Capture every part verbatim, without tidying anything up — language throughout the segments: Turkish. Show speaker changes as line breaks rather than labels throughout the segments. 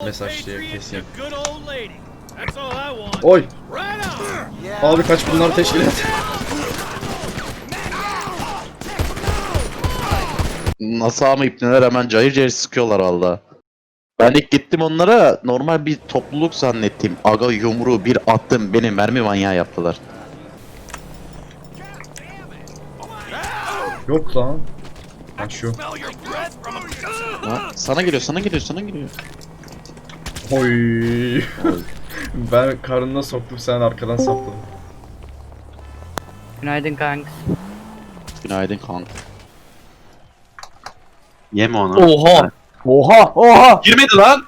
mesajlıyor kesin.
Oy. Abi kaç bunlar teşkil et.
Nasıl ama ipneler hemen cayır cayır sıkıyorlar valla. Ben ilk gittim onlara normal bir topluluk zannettim. Aga yumruğu bir attım beni mermi manyağı yaptılar.
Yok lan. Ha şu.
Ha, sana geliyor sana geliyor sana geliyor.
Oy. Ben karnına soktum, sen arkadan sapladın.
Günaydın kanks.
Günaydın kanka. Yeme onu.
Oha! Oha! Oha!
Girmedi lan.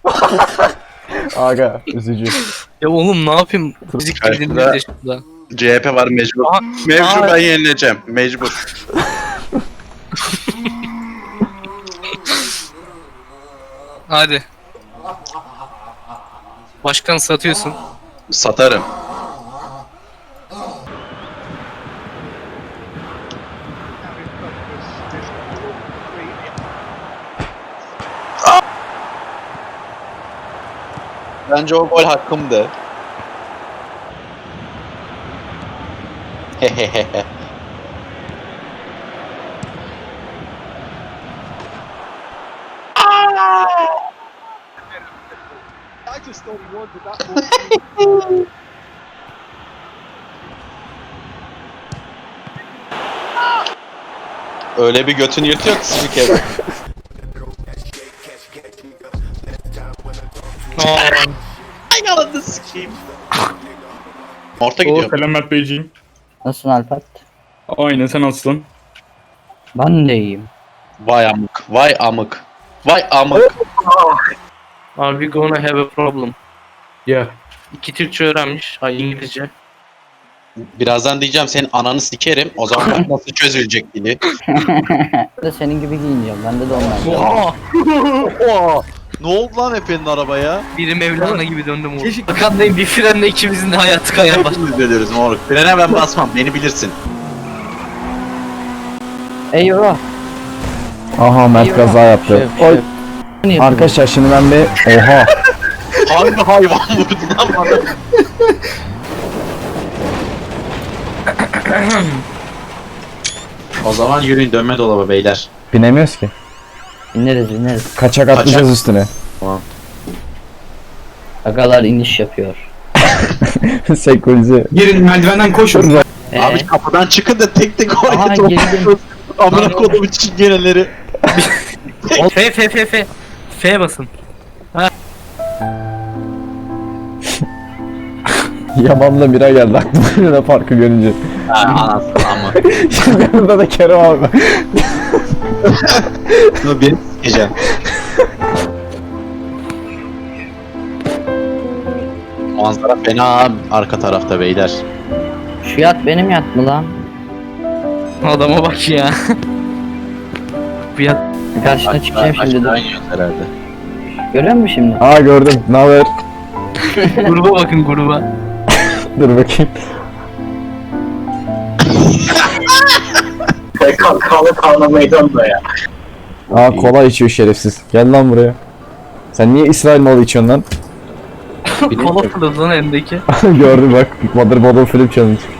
Aga üzücü.
Ya oğlum ne yapayım? Müzik
Karşıda-
dinlediğinde de şurada.
C H P var mecbur.
Aha,
Mevzu
aha.
ben yenileceğim. Mecbur.
Hadi. Başkan satıyorsun.
Satarım. Bence o gol hakkımdı. Hehehehe. Öyle bir götünü yırtıyor ki spiker. Ay yalandı sikeyim. Orta
Oo,
gidiyor.
selam Mert Beyciğim.
Nasılsın Alpat?
Aynen, sen nasılsın?
Ben de iyiyim.
Vay amık. Vay amık. Vay amık.
Are we gonna have a problem?
Yeah.
İki Türkçe öğrenmiş. Ay İngilizce.
Birazdan diyeceğim senin ananı sikerim. O zaman bak nasıl çözülecek dili.
Ben de senin gibi giyineceğim. Bende de onlar.
Oha!
Oha! Ne oldu lan Efe'nin arabaya?
Biri Mevlana gibi döndüm oğlum. Arkandayım bir frenle ikimizin de hayatı kayar başladı.
Biz ediyoruz moruk. Frene ben basmam. Beni bilirsin.
Eyvah.
Aha Mert kaza yaptı.
Şef,
Oy.
şef.
Arkadaşlar şimdi ben bir... Oha!
Hangi hayvan vurdu lan bana? O zaman yürüyün dönme dolaba beyler.
Binemiyoruz ki.
İneriz ineriz.
Kaçak atlayacağız üstüne.
Agalar iniş yapıyor.
Senkronize.
Girin merdivenden koşun.
Ee,
Abi kapıdan çıkın da tek tek oraya
Aha,
toplayın.
girdim.
Amına kodumu çingeneleri.
F F F F. F basın.
Yaman'la Mira geldi aklıma Luna Park'ı görünce.
Ha anasını ama.
Şimdi burada da Kerem abi.
Bunu beni sikeceğim. Manzara fena arka tarafta beyler.
Şu yat benim yat mı lan?
Adama bak ya. Bu yat.
Karşına çıkacağım şimdi
Aşağı
dur.
iniyoruz herhalde.
Görüyor musun şimdi?
Aa gördüm. Ne haber?
Gruba bakın gruba.
Dur bakayım.
Kanlı kanlı meydanda ya.
Aa kola içiyor şerefsiz. Gel lan buraya. Sen niye İsrail malı içiyorsun lan?
Kola fırladı lan elindeki.
Gördüm bak. Mother Bottle Flip Challenge.